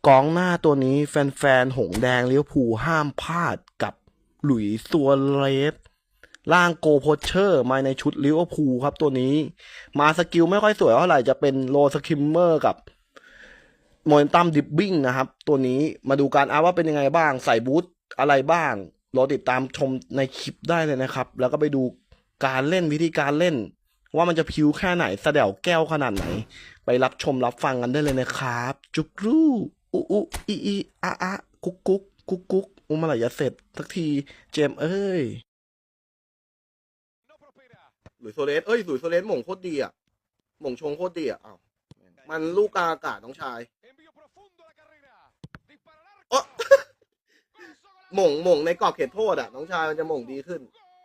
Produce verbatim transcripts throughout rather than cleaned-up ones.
กองหน้าตัวนี้แฟนๆหงแดงลิเวอร์พูลห้ามพลาดกับหลุยส์ซัวเรสร่างโกโพเชอร์มาในชุดลิเวอร์พูลครับตัวนี้มาสกิลไม่ค่อยสวยเท่าไหร่จะเป็นโลสคิมเมอร์กับโมเมนตัมดิบบิ้งนะครับตัวนี้มาดูการอัพว่าเป็นยังไงบ้างใส่บูทอะไรบ้างรอติดตามชมในคลิปได้เลยนะครับแล้วก็ไปดูการเล่นวิธีการเล่นว่ามันจะพิวแค่ไหนสะเดี่ยวแก้วขนาดไหนไปรับชมรับฟังกันได้เลยนะครับจุกรูอุอุอีอีอะอะกุ๊กกุ๊กกุ๊กกุ๊กอุมาไหลจะเสร็จสักทีเจมเอ้ยหลุยโซเลสเอ้ยหลุยโซเลสหม่งโคตรดีอ่ะหม่งชงโคตรดีอ่ะอ้าวมันลูกกลางอากาศน้องชายโอ้หม่งหม่งในกรอบเขตโทษอ่ะน้องชายมันจะหม่งดีขึ้น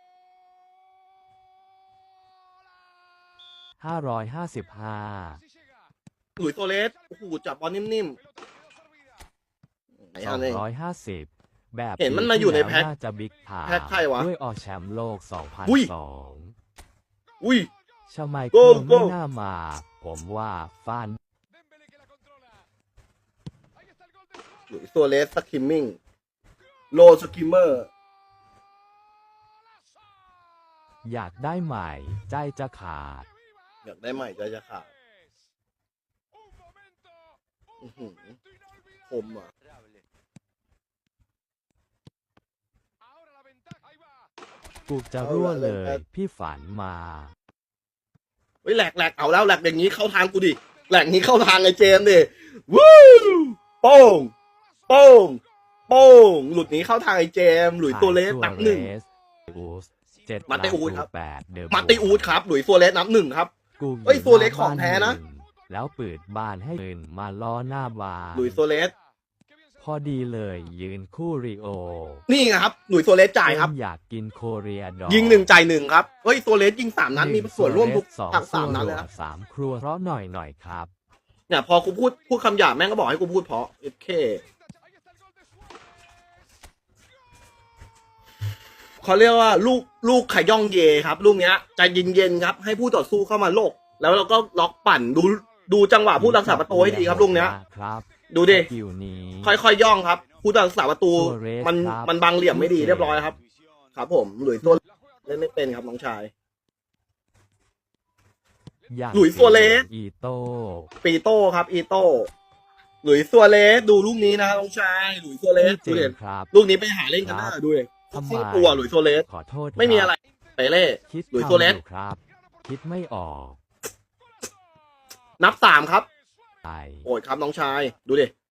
ห้าร้อยห้าสิบห้าหลุยโซเลสโอ้โหจับบอลนิ่มๆสองร้อยห้าสิบแบบเห็นมันมาอยู่ในแพ็คน่าจะบิ๊กถาแพ็คใครวะด้วยออกแชมป์โลกสองพันสองอุ้ยชาไมโก้เคิลโก้ไม่น่ามา ผมว่าฟานหลุยโซเลสสกิมมิ่งโลสกิมเมอร์อยากได้ใหม่ใจจะขาดอยากได้ใหม่ใจจะขาดอื้อหือคมอ่ะกูจะรั่วเลย พี่ฝันมาเฮ้ยแหลกแหลกเอาแล้วแหลกอย่างนี้เข้าทางกูดิแหลกนี้เข้าทางไอ้เจมส์ดิวู้โป้งโป้งโป้งหลุดนี้เข้าทางไอ้เจมส์หลุยตัวเลสนับหนึ่งมาเตอูดครับมาเตอูดครับหลุยตัวเลสนับหนึ่งครับเฮ้ยตัวเล็กของแท้นะแล้วเปิดบ้านให้อื่นมาล้อหน้าบาร์หลุยโซเลสพอดีเลยยืนคู่ริโอนี่ไงครับหลุยโซเลสจ่ายครับอยากกินโคเรียดอยิงหนึ่งจ่ายหนึ่งครับเฮ้ยโซเลสยิงสามนัดมีส่วนร่วมทุกทั้งสามนัดเลยนะสามครัวเพราะหน่อยหน่อยครับเนี่ยพอกูพูดพูดคำหยาบแม่งก็บอกให้กูพูดเพราะโอเคเขาเรียกว่าลูกลูกขย่องเยครับลูกเนี้ยใจเย็นๆครับให้ผู้ต่อสู้เข้ามาโลกแล้วเราก็ล็อกปั่นดูดูจังหวะผู้รักษาประตูให้ดีครับลูกเนี้ยดูดิค่อยๆย่องครับผู้รักษาประตูมันมันบังเหลี่ยมไม่ดีเรียบร้อยครับครับผมหลุยตัวเล่นไม่เป็นครับน้องชายหลุยซัวเรสอีโต้ปีโต้ครับอีโต้หลุยซัวเรสดูลูกนี้นะน้องชายหลุยซัวเรสดูเด่นลูกนี้ไปหาเล่นกันหน้าดูเลยซิ่งตัวหลุยซัวเรสไม่มีอะไรไปเล่หลุยซัวเรสครับคิดไม่ออกนับสามครับโอ้ยครับน้องชายดูดิ